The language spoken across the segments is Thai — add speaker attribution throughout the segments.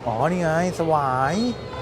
Speaker 1: อ๋อนี่ไงสวาย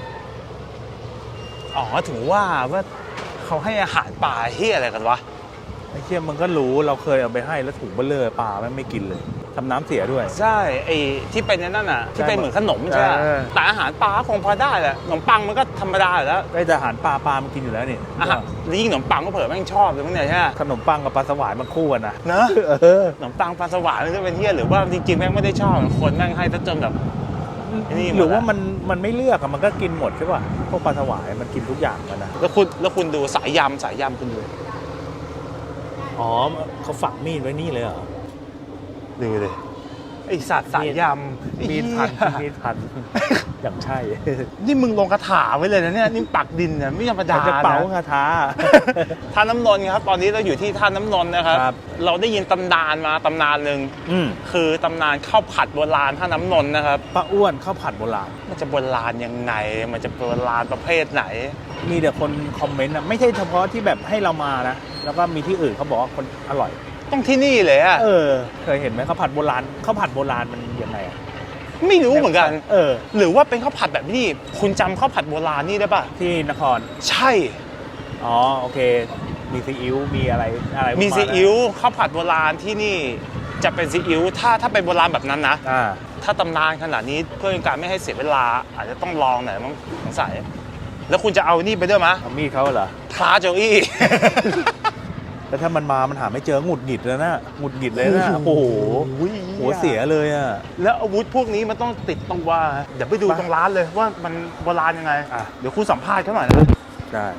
Speaker 2: อ๋อถึงว่าเขาให้อาหารปลาเฮียอะไรกันวะ
Speaker 1: ไอ้เชี่ยมันก็รู้เราเคยเอาไปให้แล้วถุงเบลเลอร์ปลาไม่กินเลยทำน้ำเสียด้วย
Speaker 2: ใช่ไอ้ที่เป็นนั่นน่ะที่เป็นเหมือนขนมใช่ไหมแต่อาหารปลาคงพอได้แหละขนมปังมันก็ธรรมดาอยู่แล้ว
Speaker 1: ไอ้แต่อาหารปลามันกินอยู่แล้วนี่
Speaker 2: อาหารยิ่งขนมปังก็เผื่อแม่งชอบเลยมั้งเนี่ยใช่ไหม
Speaker 1: ขนมปังกับปลาสวายมันคู่กันนะ
Speaker 2: เนอะขนมปังปลาสวายมันจะเป็นเฮียหรือว่าจริงๆแม่งไม่ได้ชอบคนแม่งให้จนแบบ
Speaker 1: หรือว่ามันไม่เลือกอะมันก็กินหมดใช่ป่ะพวกปลาสวายมันกินทุกอย่างมันนะ
Speaker 2: แล้วคุณดูสายยำคุณดู
Speaker 1: อ๋อเขาฝังมีดไว้นี่เลยเหรอ
Speaker 2: ดูเลยไอสัตว์สายยำ
Speaker 1: มีดพันอย่างใช่
Speaker 2: นี่มึงลงคาถาไว้เลยนะเนี่ยนี่ปักดินเนี่ยไม่ธรรมดา
Speaker 1: จะเป๋าคาถา
Speaker 2: ท่าน้ำนนท์ครับตอนนี้เราอยู่ที่ท่าน้ำนนท์นะครับเราได้ยินตำนานหนึ่งคือตำนานข้าวผัดโบราณท่าน้ำนนท์นะครับ
Speaker 1: ป้าอ้วนข้าวผัดโบราณ
Speaker 2: มันจะโบราณยังไงมันจะโบราณประเภทไหน
Speaker 1: มีแต่คนคอมเมนต์นะไม่ใช่เฉพาะที่แบบให้เรามานะแล้วก็มีที่อื่นเขาบอกว่าคนอร่อย
Speaker 2: ต้องที่นี่เลยอะ
Speaker 1: เคยเห็นไหมข้าวผัดโบราณมันยังไงอะ
Speaker 2: ไม่รู้เหมือนกันหรือว่าเป็นข้าวผัดแบบนี้คุณจำข้าวผัดโบราณนี่ได้ป่ะ
Speaker 1: ที่นคร
Speaker 2: ใช่
Speaker 1: อ๋อโอเคมีซีอิ๊วมีอะไร
Speaker 2: มีซีอิ๊วข้าวผัดโบราณที่นี่จะเป็นซีอิ๊วถ้าเป็นโบราณแบบนั้นนะถ้าตำนานขนาดนี้เพื่อการไม่ให้เสียเวลาอาจจะต้องลองหน่อยมั้งสงสัยแล้วคุณจะเอานี่ไปด้วยมั้ย
Speaker 1: เอามีดเขาเหรอ
Speaker 2: พระโจอี้
Speaker 1: แต่ถ้ามันหาไม่เจอหงุดหงิดเลยนะโอ้โหหัวเสียเลยอ่ะ
Speaker 2: แล้วอาวุธพวกนี้มันต้องติดตรงว่าเดี๋ยวไปดูตรงร้านเลยว่ามันโบราณยังไงเดี๋ยวคุณสัมภาษณ์เขาหน่อยนะ
Speaker 1: ได้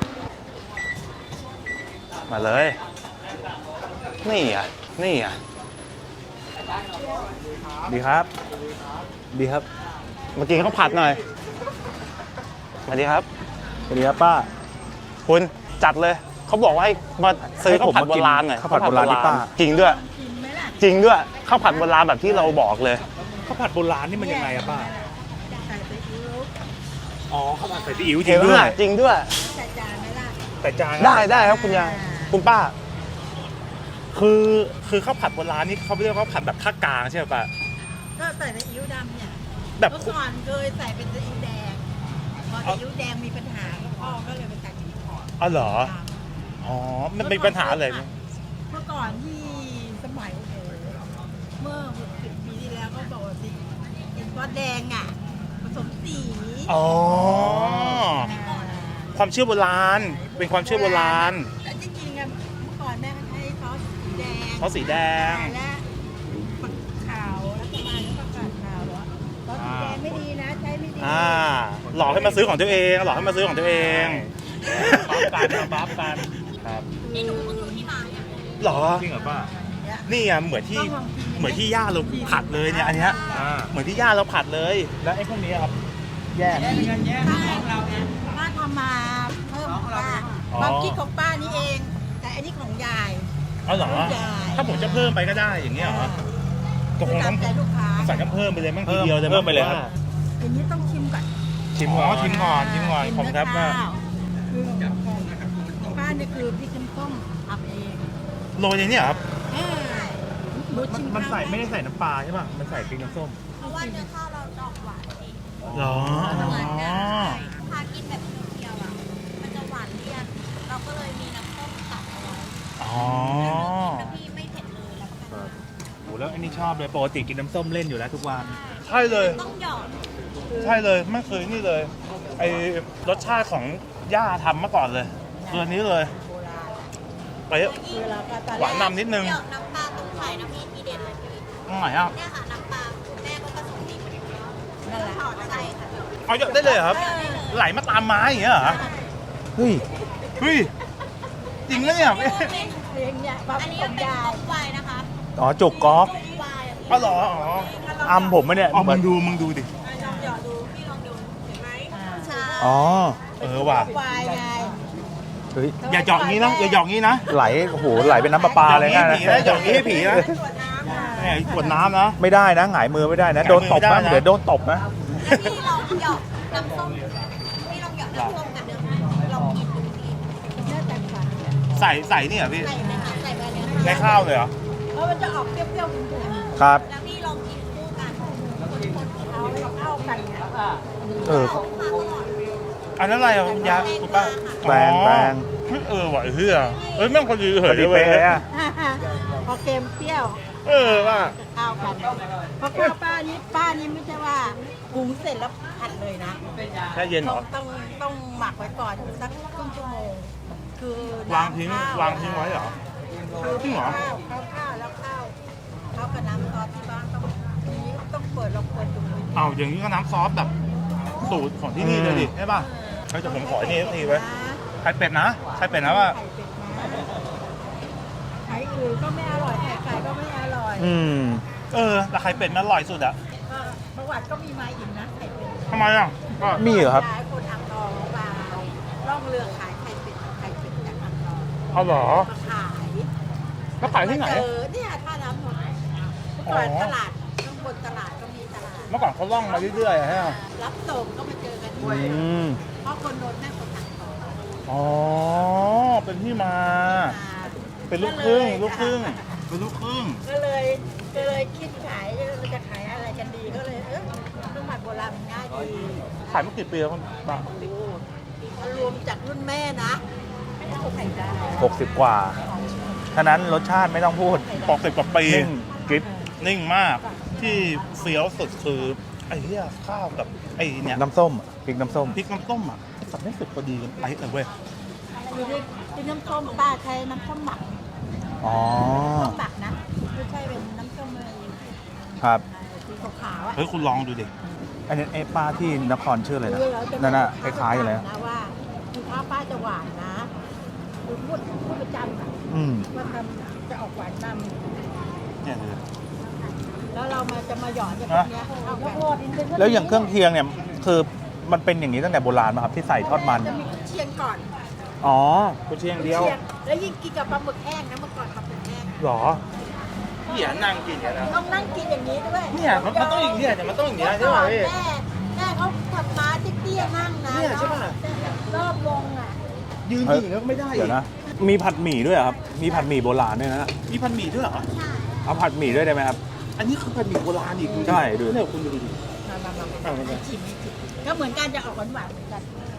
Speaker 2: มาเลยนี่อ่ะ
Speaker 1: ดีครับ
Speaker 2: เมื่อกี้เขาผัดหน่อยสวัสดีครับ
Speaker 1: ป้า
Speaker 2: คุณจัดเลยเขาบอกว่าให้มาซื้อข้าวผัดโบราณหน่อย
Speaker 1: ข้าวผัดโบราณนี่ป้า
Speaker 2: จริงด้วยข้าวผัดโบราณแบบที่เราบอกเลย
Speaker 1: ข้าวผัดโบราณนี่มันยังไงอะป้าใส่ซีอิ๊วอ๋อข้าวผัดใส่ซีอิ๊ว
Speaker 2: จริงด้วยใส่จานไหมล่ะใส่จานได้ครับคุณยายคุณป้าคือข้าวผัดโบราณนี่เขาเรียกว่าข้าวผัดแบบภาคกลางใช่ไหมป้า
Speaker 3: ก็ใส่ซีอิ๊วดำเนี่ยแบบเมื่อก่อนเคยใส่เป็นซีอิ๊วแดงพอซีอิ๊วแดงมีปัญหาพ่อก็เลยไปใส่ซีอิ๊วขาว
Speaker 2: อ๋อเหรออ๋อมันมีปัญหาอะไร
Speaker 3: เมื่อก่อนที่สมัยเมื่อ60 ปีที่แล้วก็บอกว่าสีเป็นซอสแดงอ่ะผสมสี
Speaker 2: อ๋อความเชื่อโบราณเป็นความเชื่อโบราณ
Speaker 3: แต่จริงๆอ่ะเมื่อก่อนแม่ใช้ซอสสีแดง
Speaker 2: และ
Speaker 3: ผักขาวแล้วก็มาแล้วผักกาดขาวซอสสีแดงไม่ดีนะใช้ไม่ดี
Speaker 2: หลอกให้มาซื้อของตัวเองบัฟกัน
Speaker 1: ครับ
Speaker 3: นี่หนูเพิ่งรู้ที่มาเนี่ย
Speaker 2: หรอ
Speaker 1: จริงเหรอป้า
Speaker 2: นี่อ่ะเหมือนที่ย่าเราผัดเลยเนี่ยอันเนี้ยเหมือนที่ย่าเราผัดเลย
Speaker 1: แล้วไอ้พวกนี้ครับแยก
Speaker 3: ของเราเนี่ยป้าทำมาเพิ่มของป้าความคิดของป้านี่เองแต่อันนี้ของยาย
Speaker 2: เอาเหรอถ้าผมจะเพิ่มไปก็ได้อย่างเงี้ยเหรอ
Speaker 3: ก็คงต้อง
Speaker 2: ใส่น้ำเพิ่มไปเลยมั่งทีเดียวเลย
Speaker 1: เพิ่มไปเลยครับ
Speaker 3: อย่างนี้ต้องชิมก่อน
Speaker 2: ชิมก่อนผมครับว่า
Speaker 3: ป้าเนี่ยคือพริกน้ำส้มทำเอง
Speaker 2: โรยอย่างนี้ครับ
Speaker 1: มันใส่ไม่ได้ใส่น้ำปลาใช่ป่ะมันใส่พริกน้ำส้ม
Speaker 3: เพราะว่าเนื้อข้าวเราดอกหวานเอง
Speaker 2: หรอ
Speaker 3: พากินแบบเดียวอ่ะมันจะหวานเลี่ยนเราก็เลยมีน้ำส้มตัดเอาไว้แล้วพี่ไม่เผ็ดเลยแล้ว
Speaker 1: โอ้แล้วอันนี้ชอบเลยปกติกินน้ำส้มเล่นอยู่แล้วทุกวัน
Speaker 2: ใช่เลย
Speaker 3: ต้องหยอด
Speaker 2: ใช่เลยไม่เคยนี่เลยไอรสชาติของย่าทำมาก่อนเลยตัวนี้เลยไปหวานนำนิดนึง
Speaker 3: น้ำปลาตรงไข่น้ำพริกทีเด็ดเลยพี่
Speaker 2: ตรงไหนอ่ะ
Speaker 3: เนี่ยค่ะน้ำปลาแม่ก็ผสมดีนั่นแหละใช่ค่ะ
Speaker 2: เอาเยอะได้เลยครับไหลมาตามไม้อย่างเงี้ยเหรอ
Speaker 1: เฮ้ย
Speaker 2: จริงไหมเนี่ย
Speaker 3: อันนี้เป็นก๊อกไวนะคะ
Speaker 1: อ๋อจุกก๊อก
Speaker 2: อ๋อเหรอ
Speaker 1: อัมผมไหมเนี่ย
Speaker 2: มึงดูดิ
Speaker 3: ลองหยอดดูพี่ลองดูเห็นไหมใช่
Speaker 1: อ๋อ
Speaker 2: ว่ะอย่าหยอกงี้นะ
Speaker 1: ไหลโอ้โหไหลเป็นน้ำปลาเลยนะ
Speaker 2: หยอกงี้ให้ผีนะกดน้ำนะ
Speaker 1: ไม่ได้นะหงายมือไม่ได้นะโดนตบนะเดี๋ยวโดนตบนะ
Speaker 3: พี่ลองหยอกน้ำส้มกับเนื้อลองกินดูพี่เนื้อแตกต่าง
Speaker 2: ใส่นี่เหรอพี่
Speaker 3: ใส่
Speaker 2: ในข้าวเลยเหรอ
Speaker 3: เพราะมันจะออกเปรี้ยวๆ
Speaker 1: ครับ
Speaker 3: แล้วพี่ลองกินคู่กันคนเอาให้เข้ากันเนี่ย
Speaker 1: เออ
Speaker 2: อันนั้นอะไรอ่ะคุณยาคุณป้า
Speaker 1: แปลง
Speaker 2: ว่ะเฮียแม่งพอดี
Speaker 1: พอดีเป๊ะอะ
Speaker 3: พอเค็มเปรี้ยว
Speaker 2: ว่า
Speaker 3: จะเข้ากันเพราะข้าวป้านี่ไม่ใช่ว่าหุงเสร็จแล้วผัดเลยนะ
Speaker 2: แช่เย็นเหรอ
Speaker 3: ต้องหมักไว้ก่อนสักครึ่งชั่วโมงคือ
Speaker 2: วางทิ้งไว้เหรอ
Speaker 3: คือ
Speaker 2: จริงเหรอ
Speaker 3: ข้าวแล้วข้าวกับน้ำซอสที่บ้านต้องเปิดลองเปิดดู
Speaker 2: เอาอย่างนี้ก็น้ำซอสแบบสูตรของที่นี่เลยดิใช่ป่ะเฮ้ยแต่ผมขอไอ้นี่สักทีไว้ไข่เป็ดนะไข่เป็ดนะว่า
Speaker 3: ไข่อื่นก็ไม่อร่อยไข่ก็ไม่อร่อย
Speaker 2: แต่ไข่เป็ดมันอร่อยสุดอะ
Speaker 3: ประวัติก็มีมาอีกนะไข่เป็ด
Speaker 2: ทำไมอ่ะก็
Speaker 1: มีเหรอครับ
Speaker 3: ย้ายคนอ่างทองมาล่องเรือขายไข่เป็ดจากอ่างทอง
Speaker 2: เอาเหรอ
Speaker 3: มาขาย
Speaker 2: แล้วขายที่ไหน
Speaker 3: เนี่ยท่าน้ำนนท์เมื่อก่อนตลาดข้างบนตลาดก็มีตลาด
Speaker 2: เมื่อก่อนเขาล่องมาเรื่อยๆฮะ
Speaker 3: รับส่งก็มาเจอกันด้วยเพราะคนนนท์แม่คนอ่างทอง
Speaker 2: อ๋อเป็นที่มา เป็นลูกครึ่งเป็นลูกครึ่ง
Speaker 3: ก็เลยคิดขายเราจะขายอะไรกันดีก็เลยเครื่องหมักโบราณมันง่ายดี
Speaker 2: ขายมากี่ปีแล้วคุณป้าร
Speaker 3: วมจากรุ่นแม่นะไข่ดาว
Speaker 1: 60 กว่าฉะนั้นรสชาติไม่ต้องพูด
Speaker 2: 60 กว่าปี
Speaker 1: นิ่งกริบ
Speaker 2: นิ่งมากที่เฟี้ยวสุดคือไอ้เหี้ยข้าวกับไอ้เนี่ย
Speaker 1: น้ำส้มพริกน้ำส้ม
Speaker 2: พริกน้ำต้มอ่ะสับให้สุดพอดีกันไปเลยเว้ย
Speaker 3: คือที่น้ำส้มป้าใช้น้ำส้มหมัก
Speaker 1: อ๋อ
Speaker 3: ส้มหมักนะไม่ใช่เป็นน้ำส้มอะไร
Speaker 1: ครับ
Speaker 3: สีขาวๆอ่ะ
Speaker 2: เฮ้ยคุณลองดูดิ
Speaker 1: อันนี้ไอ้ป้าที่นครชื่ออะไรนะ
Speaker 3: คือเราจะ
Speaker 1: นั่นน่ะคล้ายๆกันเลย
Speaker 3: นะว่าคือข้าวป้าจะหวานนะคือพูดประจำอ่ะ ว่าทำจะออกหวานน
Speaker 2: เนี่ยเลย
Speaker 3: ำแล้วเราจะมาหยอดกับพวกเนี้ยเข้ากัน
Speaker 1: แล้วอย่างเครื่องเคียงเนี่ยคือมันเป็นอย่างนี้ตั้งแต่โบราณมาครับที่ใส่ทอดมัน
Speaker 3: จะมีเชียงก่อน
Speaker 1: อ๋อ
Speaker 2: กุเชียงเดียว
Speaker 3: เชียงแล้วยิ่งกินกับปลาหมึกแห้งนะเมื่อก่อนปลาหมึกแห้ง
Speaker 2: หรอเหี้ยนั่งกินอย่างนั้น
Speaker 3: ต้องนั่งกินอย่างนี้ด้วย
Speaker 2: เนี่ยมันต้องอย่างนี้เนี่ยมันต้องอย่างนี้ใช่ไหมพี่
Speaker 3: แม่เขาขับม้าเตี้ยๆนั่งนะ
Speaker 2: เนี่ยใช่ปะ
Speaker 3: รอบวงอ่ะ
Speaker 2: ยืนอย่างนี้ก็ไม่ได้
Speaker 1: เดี๋ยวนะ มีผัดหมี่ด้วยเหรอครับ มีผัดหมี่โบราณด้วยนะ
Speaker 2: มีพันหมี่ด้วยเหรอ
Speaker 3: ใช่
Speaker 1: เอาผัดหมี่ด้วยได้ไหมครับ
Speaker 2: อันนี้คือพันหมี่โบราณอีก
Speaker 1: ใช่ดู
Speaker 2: เนี่ยคุณดูดิ
Speaker 3: มาชิมก็เหมือนกันจะออกหวานๆเหมือนกัน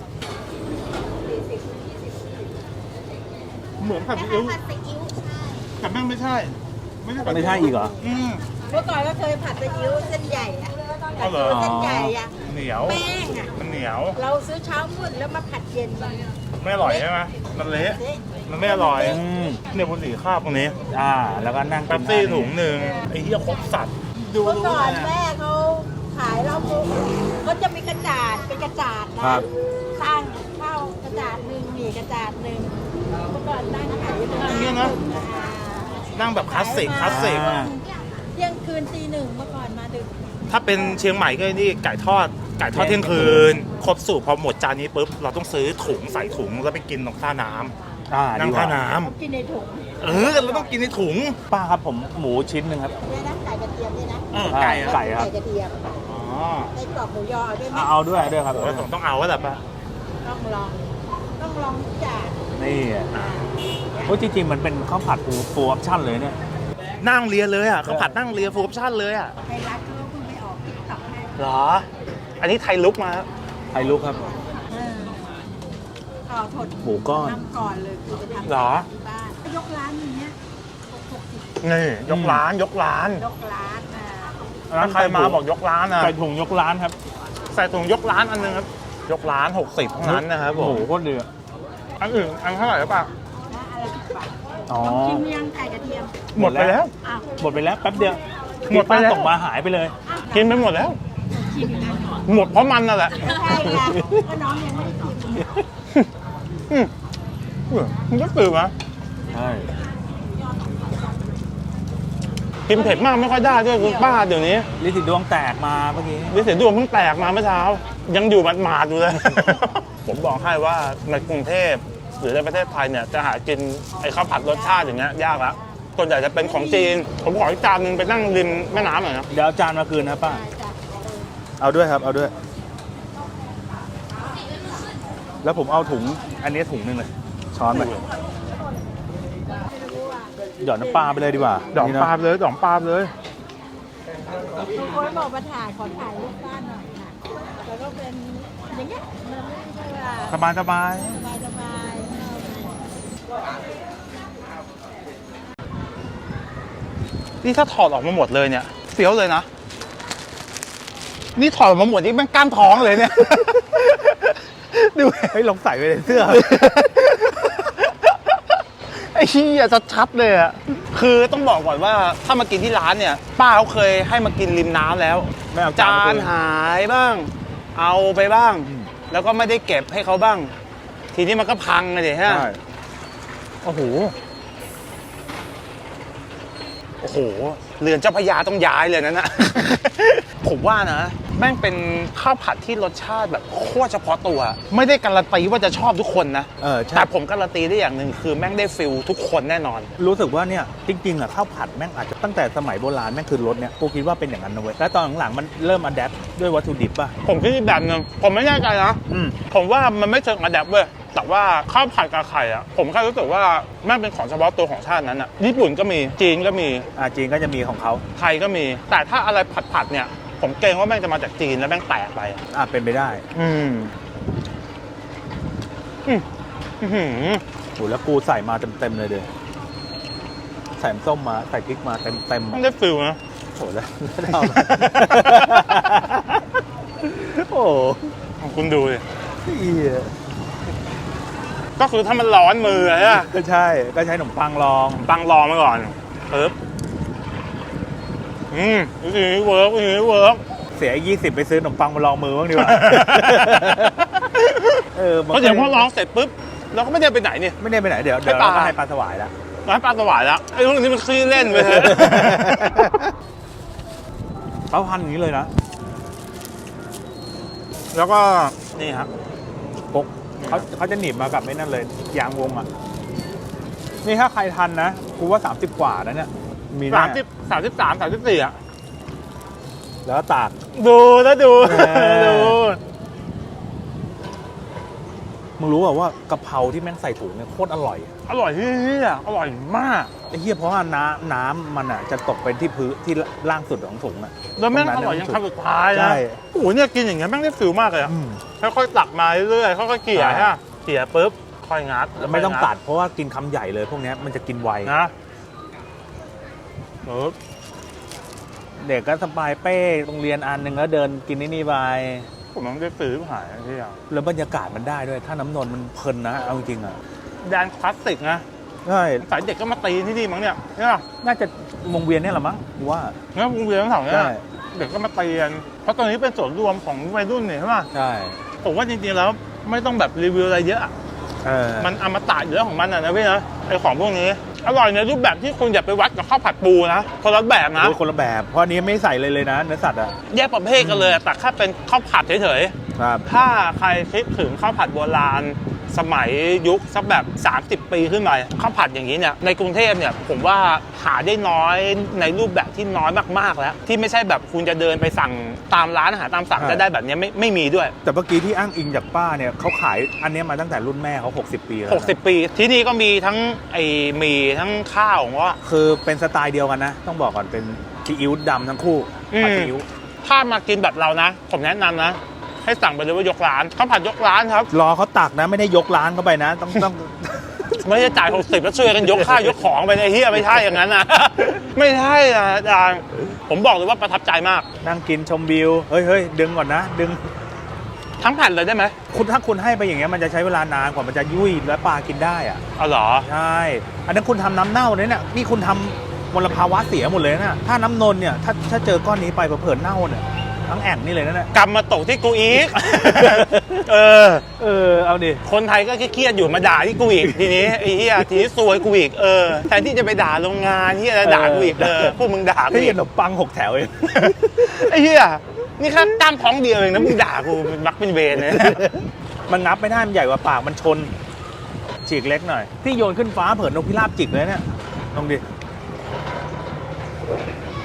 Speaker 2: เหมือนผัด
Speaker 3: ค
Speaker 2: ซีอิ๊ว
Speaker 3: ล้ายๆผัดซีอิ๊วใช่
Speaker 2: แต่แม่งไม่ใช่
Speaker 1: ไม่ใช่อีกเหรอ
Speaker 3: เมื่อก่อนก็เคยผัดซีอิ๊วเส้นใหญ่อะ
Speaker 2: อ๋อเหรอ
Speaker 3: เส้นใหญ่อะ
Speaker 2: เหนียว
Speaker 3: แป้งอะ
Speaker 2: มันเหนียว
Speaker 3: เราซื้อเช้ามืดแล้วมาผัดเย็นมัน
Speaker 2: ไม่อร่อยใช่ไหมมันเละ
Speaker 3: เละ
Speaker 2: มันไม่อร่อย เนี่ยบุหรี่คาบตรงนี้
Speaker 1: แล้วก็นั่ง
Speaker 2: แป๊บซี่ถุงหนึ่งไอ้เหี้ยครบสัตว์ดู
Speaker 3: เมื่อ
Speaker 2: รู้
Speaker 3: ก่อน
Speaker 2: เลย
Speaker 3: แม่เขาขายแล้วเขาจะมีกระจาดเป็นกระจาดนะ
Speaker 1: ครับ
Speaker 3: สร้างข้าวกระจาดหนึ่งหมี่กระจาดหนึ่งเมื่อก่อนนั่งขายอยู่
Speaker 2: อย่างเงี้ยนะ นั่งแบบคลาสสิก
Speaker 3: เที่ยงคืนตีหนึ่งเมื่อก่อนมาดึก
Speaker 2: ถ้าเป็นเชียงใหม่ก็นี่ไก่ทอดเที่ยงคืน ครบสูตรพอหมดจานนี้ปุ๊บเราต้องซื้อถุงใส่ถุงแล้วไปกินตรงท่าน้ำนั่
Speaker 1: ดี
Speaker 2: ง
Speaker 1: ก
Speaker 2: ท่า
Speaker 1: ว่า
Speaker 2: น้
Speaker 3: กินในถุง
Speaker 2: ำเราต้องกินในถุง
Speaker 1: ป้าครับผมหมูชิ้นหนึ่งครับ
Speaker 3: เนี่ยนะไก่กระเทียมเนี่ยนะ
Speaker 2: ไก่
Speaker 1: ไก่ครับ
Speaker 3: ไก่กระเทียม
Speaker 2: อ๋อ
Speaker 3: ไส้กรอกหมูยอด้วยไหม
Speaker 1: เอาด้วยครับ
Speaker 2: โอ้ยต้องเอาแล้วแหละป่ะ
Speaker 3: ต้องลองทุกอย่าง
Speaker 1: นี่โอ้จริงๆมันเป็นข้าวผัดฟูออปชั่นเลยเนี่ย
Speaker 2: นั่งเรียนเลยอ่ะเขาผัดนั่งเรียนฟูลออปชั่นเลยอ่ะ
Speaker 3: ไทยรัฐเขาเพิ่งไปออกติ๊กต็อกให้
Speaker 2: เหรอ อันนี้ไทยลุกมา
Speaker 1: ไทยลุกครับ
Speaker 3: ต่อถด
Speaker 1: หมูก้อน
Speaker 3: ทำก่อนเลยคือไปทำ
Speaker 2: เหรอ
Speaker 3: ที่บ้านยกร้านอย่างเงี้ย60
Speaker 2: นี่ยกร้าน
Speaker 3: ยกร้าน
Speaker 2: ถ้าใครมาบอกยกร้านนะ
Speaker 1: ใส่ถุงยกร้านครับ
Speaker 2: ใส่ถุงยกร้านอันนึงครับ ยกร้าน 60เท่านั้นนะครับผ
Speaker 1: หมู
Speaker 2: ม
Speaker 1: โคตรเดือด
Speaker 2: อันอื่นอันเท่าไหร่หรือเปล่า
Speaker 3: นะอะไร10 บาท
Speaker 1: อ๋อ
Speaker 3: ชิมยังไก่กระเทียม
Speaker 2: หมดไปแล้ว
Speaker 3: อ้าว
Speaker 1: หมดไปแล้วแป๊บเดียว
Speaker 2: หมดไปแล้ว
Speaker 1: ส่งมาหายไปเลย
Speaker 2: กินไปหมดแล้ว
Speaker 3: ชิมอยู่นะ
Speaker 2: หมดเพราะมันนั่นแหละ
Speaker 3: ใช่ค่ะก็น้องยังไม่ได้ชิม
Speaker 2: มันก็ตื่นมา
Speaker 1: ใช่
Speaker 2: กินเผ็ดมากไม่ค่อยได้ด้วยคุณป้าเดี๋ยวนี้
Speaker 1: ลิสิดวงแตกมาเมื่อกี้
Speaker 2: วิเศษดวงเพิ่งแตกมาเมื่อเช้า ยังอยู่หมาดๆอยู่เลย ผมบอกให้ว่าในกรุงเทพหรือในประเทศไทยเนี่ยจะหากินไอ้ข้าวผัดรสชาติอย่างเงี้ยยากละส่วนใหญ่จะเป็นของจีน ผมขออีกจานหนึ่งไปนั่งริมแม่น้ำหน่อยนะ
Speaker 1: เดี๋ยวเอาจานมาคืนนะป้า
Speaker 3: ใช่จ้ะ
Speaker 1: เอาด้วยครับ เอาด้วย แล้วผมเอาถุง อันนี้ถุงหนึงเลย ช้อนไปหยอดน้ำปลาไปเลยดีกว่า
Speaker 2: ดอกปลา
Speaker 1: นี่นะ
Speaker 2: เลยดอกปลาเลย
Speaker 3: บางคนบอกมาถ่ายขอถ่ายรูปบ้านหน่อยค่ะแล้วก็เป็นอย่างเงี้ยมันไม่ใช่ว่า
Speaker 1: สบายสบาย
Speaker 3: สบาย
Speaker 2: นี่ถ้าถอดออกมาหมดเลยเนี่ยเฟี้ยวเลยนะ นี่ถอดออกมาหมดนี่แม่งกล้ามท้องเลยเนี่ย ดู
Speaker 1: เฮ้ยลองใส่ไปในเสื้อ
Speaker 2: ไอ้เหี้ยชัดๆเลยอะคือต้องบอกก่อนว่าถ้ามากินที่ร้านเนี่ย ป้าเขาเคยให้มากินริมน้ำแล้ว
Speaker 1: ไม่เอา
Speaker 2: จานหายบ้าง เอาไปบ้าง แล้วก็ไม่ได้เก็บให้เขาบ้าง ทีนี้มันก็พังเลยฮะ
Speaker 1: ใช่
Speaker 2: โอ้โห โอ้โห เรือนเจ้าพระยาต้องย้ายเลยนะ ผมว่านะ แม่งเป็นข้าวผัดที่รสชาติแบบโคตรเฉพาะตัว ไม่ได้การันตีว่าจะชอบทุกคนนะ
Speaker 1: ใช่
Speaker 2: แต่ผมการันตีได้อย่างหนึ่งคือแม่งได้ฟิลทุกคนแน่นอน
Speaker 1: รู้สึกว่าเนี่ยจริงๆอ่ะข้าวผัดแม่งอาจจะตั้งแต่สมัยโบราณแม่งคือรสเนี่ยกูคิดว่าเป็นอย่างนั้นนะเว้ยแล้วตอนหลังๆมันเริ่มอัดแอปด้วยวัตถุดิบป่ะ
Speaker 2: ผมคิดอีกแบบหนึงผมไม่แน่ใจนะ ผมว่ามันไม่เชิงอะแดปเว้ย แต่ว่าข้าวผัดกับไข่อะผมแค่รู้สึกว่าแม่งเป็นของเฉพาะตัวของชาตินั้นอะญี่ปุ่นก็มี จีนก็มี
Speaker 1: จีนก็จะมีของเขา
Speaker 2: ไทยก็มี แต่ถ้าอะไรผัดเนี่ย ผมเกรงว่าแม่งจะมาจากจีนแล้วแม่งแตกไป
Speaker 1: เป็นไปได้ โหแล้วกูใส่มาเต็มๆเลยเด้อใส่น้ำส้มมาใส่พริกมาเต็ม
Speaker 2: มันได้ฟิลนะ
Speaker 1: โหแล้วเอามาโอ้
Speaker 2: คุณดูดิ
Speaker 1: เหี้ย
Speaker 2: ก็คือถ้ามันร้อนมืออะ
Speaker 1: ก็ใช่ก็ใช้ขนมปังรอง
Speaker 2: ปังรอมาก่อนปึ๊บวิธีนี้เวิร์กวิธีนี้เวิร์ก
Speaker 1: เสีย20ไปซื้อขนมปังมาลองมือบ้างดีกว่า
Speaker 2: เพราะเดี๋ยวพอร้องเสร็จปุ๊บเราก็ไม่ได้ไปไหนนี่
Speaker 1: ไม่ได้ไปไหนเดี๋ยว
Speaker 2: ให้ปลา
Speaker 1: เราก็ให้ปลาสวายแล้ว
Speaker 2: ร้านปลาสวายแล้วไอ้พวกนี้มันขี้เล่นไปเถอะ
Speaker 1: เขาพันอย่างนี้เลยนะ
Speaker 2: แล้วก็นี่ครับ
Speaker 1: พกเขาจะหนีบมากับไอ้นั่นเลยยางวงอ่ะนี่ถ้าใครทันนะกูว่า30กว่านะเนี่ยมีแน่
Speaker 2: 33 34อ่ะ
Speaker 1: แล้วก็ตาก
Speaker 2: ดูแล้วดู ดู
Speaker 1: มึงรู้ป่ะว่ากะเพราที่แม่งใส่ถุงเนี่ยโคตรอร่อย
Speaker 2: อร่อยที่อร่อยมาก
Speaker 1: ไอ้เหี้ยเพราะว่าน้ำมันอ่ะจะตกไปที่พื้นที่ล่างสุดของถุงอ่ะ
Speaker 2: แล้วแม่ง
Speaker 1: ตร
Speaker 2: อร่อย
Speaker 1: นั้น
Speaker 2: ยังคำสุดท้ายนะ
Speaker 1: ใช่
Speaker 2: โอ้โหเนี่ยกินอย่างเงี้ยแม่งได้ฟิลมากเลยอะ
Speaker 1: อืม
Speaker 2: ค่อยๆตักมาเรื่อยๆค่อยๆเกลี่ย
Speaker 1: ใช่
Speaker 2: ฮะเกลี่ยปุ๊บค่อยงัด
Speaker 1: แล้วไม่ต้องตัดเพราะว่ากินคำใหญ่เลยพวกเนี้ยมันจะกินไว
Speaker 2: นะปุ๊บ
Speaker 1: เด็กก็สบายเป้โรงเรียนอันหนึ่งแล้วเดินกินนี่ไป
Speaker 2: ผมต้องได้ฟิลหายที่อย่าง
Speaker 1: แล้วบรรยากาศมันได้ด้วย ถ้าน้ำนนท์มันเพลินนะเอาจริงๆอ่ะ
Speaker 2: แดนคลาสสิกนะ
Speaker 1: ใช่
Speaker 2: สายเด็กก็มาตีที่นี่มั้งเนี่ยเนี่ย
Speaker 1: น่าจะวงเวียนเนี่ยแหละมั้งกูว่า
Speaker 2: เนี่ยวงเวียนทั้งแถวเนี่ย
Speaker 1: ใช่
Speaker 2: เด็กก็มาตีกันเพราะตอนนี้เป็นส่วนรวมของวัยรุ่นเนี่ยใช่ไหม
Speaker 1: ใช่
Speaker 2: ผมว่าจริงๆแล้วไม่ต้องแบบรีวิวอะไรเยอะอะ
Speaker 1: มั
Speaker 2: มันอมตะอยู่แล้วของมันนะพี่นะไอของพวกนี้ อร่อยในรูปแบบที่คุณอย่าไปวัดกับข้าวผัดปูนะคนละแบบนะ
Speaker 1: คนละแบบเพราะอันนี้ไม่ใส่เลยนะเนื้อสัตว์อ่ะ
Speaker 2: แยกประเภทกันเลยอะแต่แค่เป็นข้าวผัดเฉย
Speaker 1: ครับ
Speaker 2: ๆถ้าใครคิดถึงข้าวผัดโบราณสมัยยุคสักแบบ30 ปีขึ้นไปข้าวผัดอย่างนี้เนี่ยในกรุงเทพเนี่ยผมว่าหาได้น้อยในรูปแบบที่น้อยมากๆแล้วที่ไม่ใช่แบบคุณจะเดินไปสั่งตามร้านอาหารตามสั่งจะได้แบบนี้ไม่มีด้วย
Speaker 1: แต่เมื่อกี้ที่อ้างอิงจากป้าเนี่ยเขาขายอันเนี้ยมาตั้งแต่รุ่นแม่เขา60 ปีแล้วนะ
Speaker 2: 60 ปีที่นี่ก็มีทั้งไอ้หมี่ทั้งข้าวของว่า
Speaker 1: คือเป็นสไตล์เดียวกันนะ ต้องบอกก่อนเป็นซีอิ๊วดำทั้งคู่ผัดซีอิ๊ว
Speaker 2: ถ้ามากินแบบเรานะ ผมแนะนำนะ ให้สั่งไปเลยว่ายกร้านข้าวผัดยกร้านครับ
Speaker 1: รอเขาตักนะไม่ได้ยกร้านเข้าไปนะ ต้อง
Speaker 2: ไม่ได้จ่าย60แล้วช่วยกันยกข้าวยกของไปในเฮียไม่ใช่อย่างนั้นนะ ไม่ใช่นะอาจารย์ผมบอกเลยว่าประทับใจมาก
Speaker 1: นั่งกินชมวิวเฮ้ยดึงก่อนนะดึง
Speaker 2: ทั้งแผ่นเลยได้ไหม
Speaker 1: ถ้าคุณให้ไปอย่างเงี้ยมันจะใช้เวลานานกว่ามันจะยุ่ยและปลากินได้อ่ะ
Speaker 2: อ๋อเหรอ
Speaker 1: ใช่อันนั้นคุณทำน้ำเน่าเลยเนี่ยนี่คุณทำมลภาวะเสียหมดเลยนะถ้าน้ำนนเนี่ยถ้าเจอก้อนนี้ไปเผลอๆเน่าเนี่ยทั้งแอ่งนี่เลยนะเนี่ย
Speaker 2: กรรมมาตกที่กูอีก เออ
Speaker 1: เอาดิ
Speaker 2: คนไทยก็เครียดอยู่มาด่าที่กูอีกทีนี้ไอ้เฮียทีนี้ซวยกูอีกแทนที่จะไปด่าโรงงานเฮียจะด่ากูอีกพวกมึงด่ากู
Speaker 1: ให้
Speaker 2: อี
Speaker 1: ข
Speaker 2: ก
Speaker 1: นมปัง6 แถวเอง
Speaker 2: ไอ้เฮียนี่แค่กล้ามท้องเดียวเองนะมึงด่ากูเป็นมักเป็นเวรเลย
Speaker 1: มันงับไม่ได้มันใหญ่กว่าปากมันชนฉีกเล็กหน่อยพี่โยนขึ้นฟ้าเผินนกพิราบจิกเลยเนี่ยลองดิ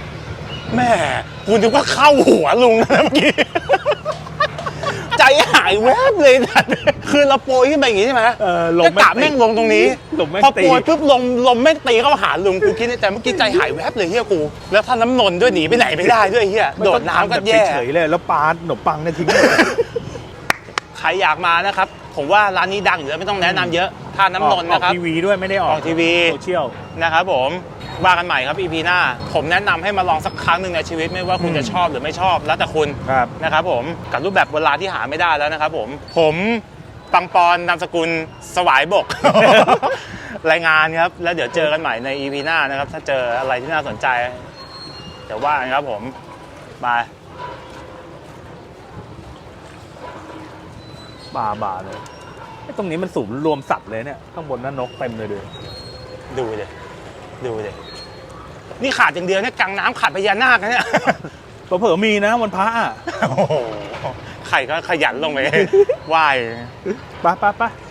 Speaker 2: แม่กูนึกว่าเข้าหัวลุงนะเมื่อกี้ ใจหายแวบเลยนะคือเราโปรยขึ้นไปอย่างงี้ใช่ไหม
Speaker 1: ล
Speaker 2: ก็
Speaker 1: ม
Speaker 2: กะแม่งลงตรงนี้
Speaker 1: ลมแม่ง
Speaker 2: พอ
Speaker 1: ตี
Speaker 2: โปรยปุ๊บลมแม่งตีเข้าหาลุงกูคิดในใจเมื่อกี้ใจหายแวบเลยเฮียกูแล้วถ้าน้ำนนด้วยหนีไปไหนไม่ได้ด้วยเฮียโดดน้ำก็แย่
Speaker 1: เฉยๆเลยแล้วปาขนมปังเนี่ยทิ้งหมด
Speaker 2: ใครอยากมานะครับผมว่าร้านนี้ดังอยู่แล้วไม่ต้องแนะนำเยอะท่าน้ำนนท์นะครับ
Speaker 1: ออกทีวีด้วยไม่ได้ออก
Speaker 2: ออกทีวี
Speaker 1: โซเชียล
Speaker 2: นะครับผมว่ากันใหม่ครับ EP หน้าผมแนะนำให้มาลองสักครั้งหนึ่งในชีวิตไม่ว่าคุณจะชอบหรือไม่ชอบแล้วแต่คุณ
Speaker 1: ครับ
Speaker 2: นะครับผมกับรูปแบบโบราณที่หาไม่ได้แล้วนะครับผมปังปอนนามสกุลสวายบก รายงานครับแล้วเดี๋ยวเจอกันใหม่ใน EP หน้านะครับถ้าเจออะไรที่น่าสนใจเดี๋ยวว่ากันครับผมบาย
Speaker 1: บาเลยไอ้ตรงนี้มันสูงรวมสัตว์เลยเนี่ยข้างบนนั่นนกเต็มเลยด้วย
Speaker 2: ดูเลยนี่ขาดอย่างเดียวเนี่ยกลางน้ำขาดพญานาคนะเนี่ย
Speaker 1: เผลอๆมีนะวันพระอ่ะ
Speaker 2: โอ้โหใครก็ขยันลงไป ไหว้
Speaker 1: ไป